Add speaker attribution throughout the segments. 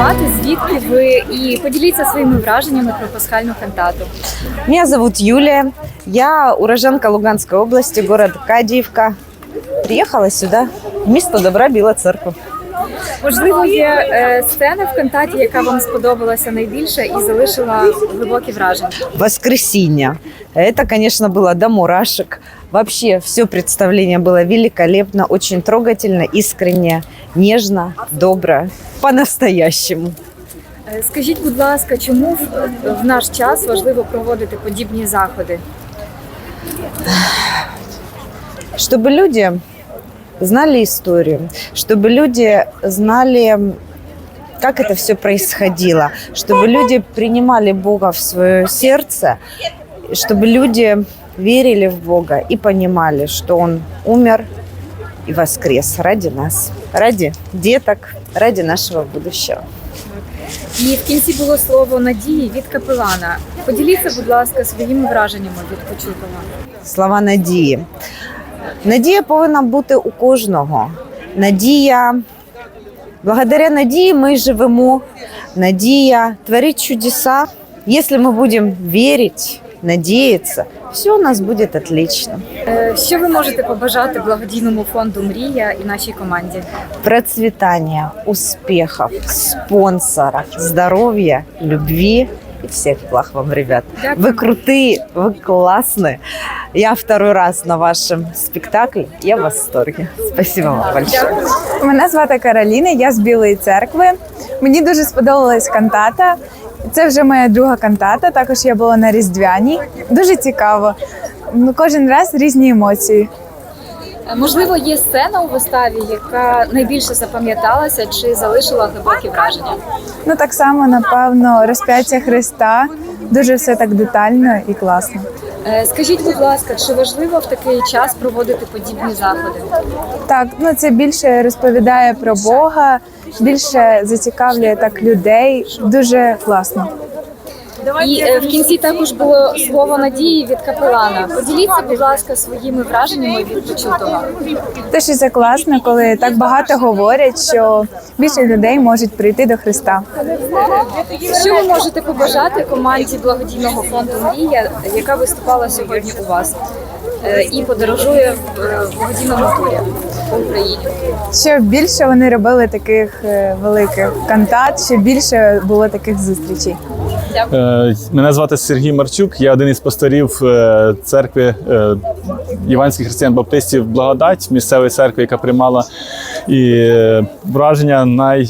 Speaker 1: назвати, звідки ви, і поділіться своїми враженнями про пасхальну кантату.
Speaker 2: Меня зовут Юлия. Я уроженка Луганской области, город Кадиевка. Приехала сюда, в місто добра Біла Церква.
Speaker 1: Можливо, є сцена в кантаті, яка вам сподобалася найбільше і залишила глибокі враження.
Speaker 2: Воскресенье. Это, конечно, было до мурашек. Вообще, все представление было великолепно, очень трогательно, искренне, нежно, добро, по-настоящему.
Speaker 1: Скажіть, будь ласка, чому в наш час важливо проводити подібні заходи?
Speaker 2: Чтобы люди знали историю, чтобы люди знали, как это все происходило, чтобы люди принимали Бога в свое сердце, чтобы люди верили в Бога и понимали, что Он умер и воскрес ради нас, ради деток, ради нашего будущего.
Speaker 1: І в кінці було слово надії від капелана. Поділіться, будь ласка, своїми враженнями від почутого.
Speaker 2: Слова надії. Надія повинна бути у кожного. Надія. Благодаря надії ми живемо. Надія творить чудеса. Якщо ми будемо вірити, надіятися, все у нас буде отлично.
Speaker 1: Що ви можете побажати благодійному фонду «Мрія» і нашій команді?
Speaker 2: Процветания, успехов, спонсоров, здоровья, любви и всех благ вам, ребят.
Speaker 1: Дякую.
Speaker 2: Вы крутые, вы классные. Я второй раз на вашем спектакле. Я в восторге. Спасибо вам большое.
Speaker 3: Мене звати Кароліна, я з Білої Церкви. Мені дуже сподобалась кантата. Це вже моя друга кантата, також я була на Різдвяній. Дуже цікаво. Кожен раз різні емоції.
Speaker 1: Можливо, є сцена у виставі, яка найбільше запам'яталася чи залишила глибокі враження?
Speaker 3: Так само, напевно, розп'яття Христа. Дуже все так детально і класно.
Speaker 1: Скажіть, будь ласка, чи важливо в такий час проводити подібні заходи?
Speaker 3: Так, це більше розповідає про Бога, більше зацікавлює так людей. Дуже класно.
Speaker 1: І в кінці також було слово надії від капелана. Поділіться, будь ласка, своїми враженнями від почутого.
Speaker 3: Те, що це класно, коли так багато говорять, що більше людей можуть прийти до Христа.
Speaker 1: Що ви можете побажати команді благодійного фонду «Мрія», яка виступала сьогодні у вас і подорожує в благодійному турі по Україні?
Speaker 3: Щоб більше вони робили таких великих кантат, щоб більше було таких зустрічей.
Speaker 4: Мене звати Сергій Марчук, я один із пасторів церкви Іванських християн-баптистів «Благодать», місцевої церкви, яка приймала. І враження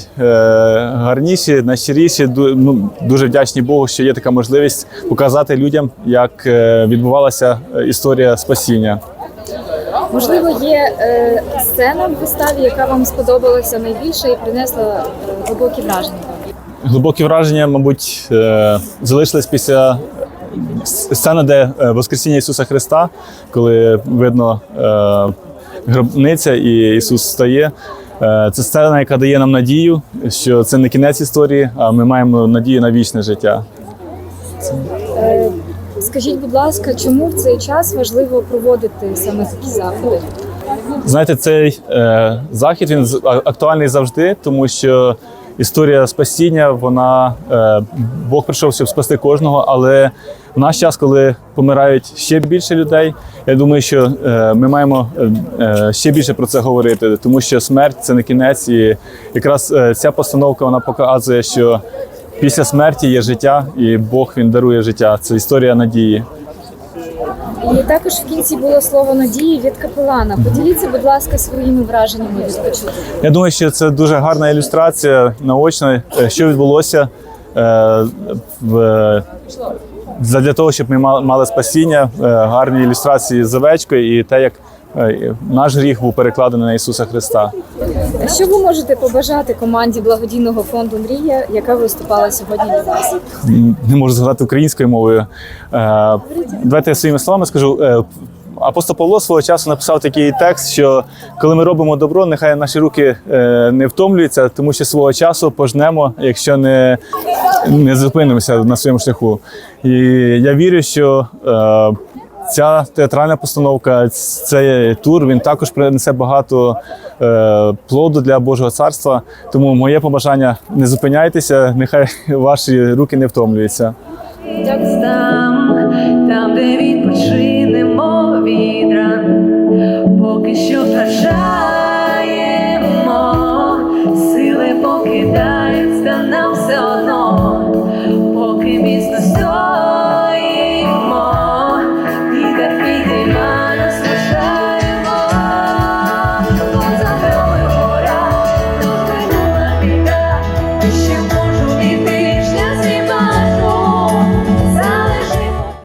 Speaker 4: найгарніші, найщиріші. Дуже вдячні Богу, що є така можливість показати людям, як відбувалася історія спасіння.
Speaker 1: Можливо, є сцена в виставі, яка вам сподобалася найбільше і принесла глибокі враження?
Speaker 4: Глибокі враження, мабуть, залишились після сцени, де Воскресіння Ісуса Христа, коли видно гробниця і Ісус встає. Це сцена, яка дає нам надію, що це не кінець історії, а ми маємо надію на вічне життя.
Speaker 1: Скажіть, будь ласка, чому в цей час важливо проводити саме такі заходи?
Speaker 4: Знаєте, цей захід, він актуальний завжди, тому що історія спасіння, Бог прийшов, щоб спасти кожного, але в наш час, коли помирають ще більше людей, я думаю, що ми маємо ще більше про це говорити, тому що смерть – це не кінець, і якраз ця постановка, вона показує, що після смерті є життя, і Бог, Він дарує життя. Це історія надії.
Speaker 1: І також в кінці було слово надії від капелана. Поділіться, будь ласка, своїми враженнями від почутого.
Speaker 4: Я думаю, що це дуже гарна ілюстрація, наочна, що відбулося для того, щоб ми мали спасіння, гарні ілюстрації з овечкою і те, як наш гріх був перекладений на Ісуса Христа.
Speaker 1: Що ви можете побажати команді благодійного фонду «Мрія», яка виступала сьогодні від вас?
Speaker 4: Не можу згадати українською мовою. Давайте я своїми словами скажу. Апостол Павло свого часу написав такий текст, що коли ми робимо добро, нехай наші руки не втомлюються, тому що свого часу пожнемо, якщо не зупинимося на своєму шляху. І я вірю, що ця театральна постановка, цей тур, він також принесе багато плоду для Божого Царства. Тому моє побажання – не зупиняйтеся, нехай ваші руки не втомлюються.
Speaker 5: Там, де відпочинемо від ран, поки що вражаємо, сили покидають, та нам все одно.